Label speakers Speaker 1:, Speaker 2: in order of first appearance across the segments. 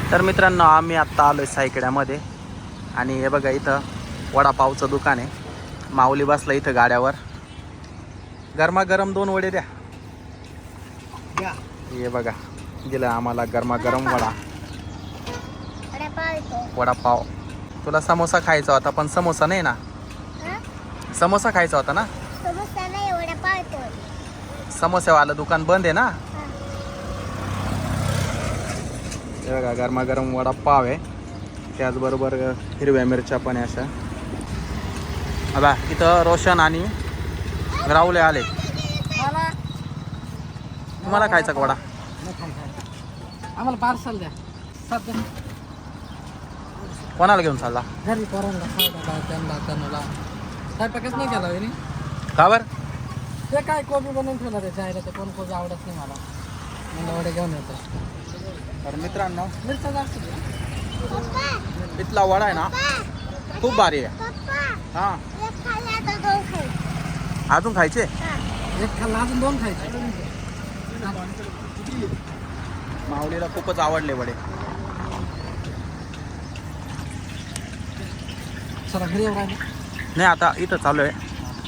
Speaker 1: तर मित्रांनो आम्ही आत्ता आलो आहे सायकड्यामध्ये आणि हे बघा इथं वडापावचं दुकान आहे. माऊली बसला इथं गाड्यावर. गरमागरम 2 वडे द्या. हे बघा दिलं आम्हाला गरमागरम वडापाव. तुला समोसा खायचा होता पण समोसा नाही ना. समोसा खायचा होता ना. समोसेवालं दुकान बंद आहे ना. हे बघा गरमागरम वडापाव आहे. त्याचबरोबर हिरव्या मिरच्या पण आहे अशा. बघा इथं रोशन आणि राहुले आले. तुम्हाला खायचा का वडा?
Speaker 2: आम्हाला पार्सल द्या.
Speaker 1: कोणाला घेऊन चालला?
Speaker 2: घरी पोरांना त्यांना स्वयंपाकच नाही केला वहिनी.
Speaker 1: का बरं?
Speaker 2: ते काय कोबी बनवून ठेवला त्याच्या आईला. ते कोण कोबी आवडत नाही मला. मला वडे घेऊन येतो.
Speaker 1: तर मित्रांनो
Speaker 2: मिरचा जास्त द्या.
Speaker 1: इथला वडा आहे ना खूप भारी आहे. हां अजून खायचे?
Speaker 2: एक खाल्ला अजून 2 खायचे.
Speaker 1: माऊलीला खूपच आवडले वडे.
Speaker 2: चला घरी येऊ राहिले.
Speaker 1: नाही आता इथं चालू आहे.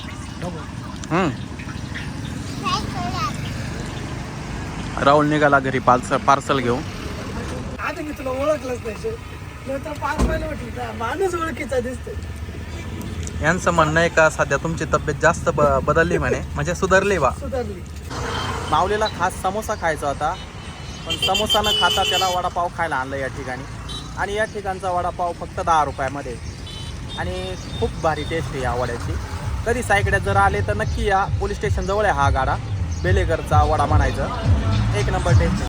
Speaker 1: राहुल निघाला घरी पार्सल घेऊन.
Speaker 2: आता मी तुला ओळखलंच नाही. नंतर 5 महिने म्हटलं माणूस ओळखीचा दिसतो.
Speaker 1: यांचं म्हणणं आहे का सध्या तुमची तब्येत जास्त बदलली म्हणे, म्हणजे सुधारली बा.
Speaker 2: सुधारली.
Speaker 1: माऊलीला खास समोसा खायचा होता पण समोसा न खाता त्याला वडापाव खायला आणलं या ठिकाणी. आणि या ठिकाणचा वडापाव फक्त 10 रुपयामध्ये आणि खूप भारी टेस्ट आहे या वड्याची. कधी सायकड्यात जर आले तर नक्की या. पोलीस स्टेशन जवळ आहे हा गाडा. बेलेकरचा वडा म्हणायचं. 1 नंबर टेस्ट.